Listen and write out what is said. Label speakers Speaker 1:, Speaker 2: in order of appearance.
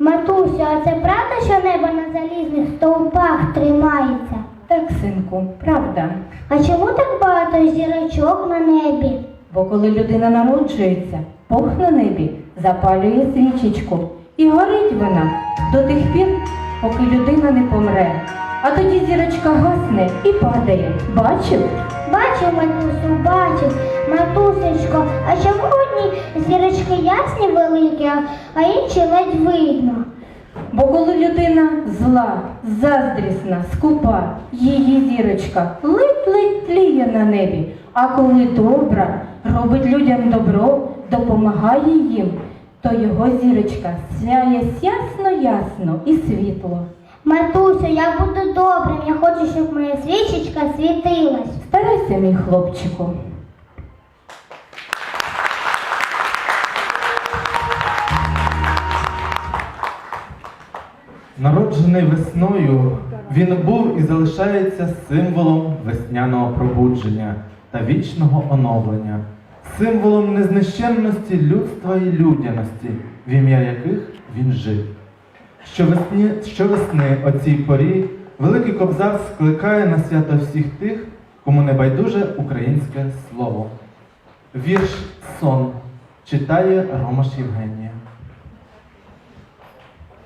Speaker 1: Матусю, а це правда, що небо на залізних стовпах тримається?
Speaker 2: Так, синку, правда.
Speaker 1: А чому так багато зірочок на небі?
Speaker 2: Бо коли людина народжується, Бог на небі запалює свічечку. І горить вона до тих пір, поки людина не помре. А тоді зірочка гасне і падає. Бачив?
Speaker 1: Бачив, матусю, бачив. Матусечко, а чому одні зірочки ясні великі, а інші ледь видно?
Speaker 2: Бо коли людина зла, заздрісна, скупа, її зірочка ледь-ледь тліє на небі. А коли добра, робить людям добро, допомагає їм, то його зірочка сяє ясно-ясно і світло.
Speaker 1: Матусю, я буду добрим, я хочу, щоб моя свічечка світилась.
Speaker 2: Старайся, мій хлопчику.
Speaker 3: Народжений весною, він був і залишається символом весняного пробудження та вічного оновлення, символом незнищенності людства і людяності, в ім'я яких він жив. Щовесни о цій порі Великий Кобзар скликає на свято всіх тих, кому не байдуже українське слово. Вірш «Сон» читає Ромаш Євгенія.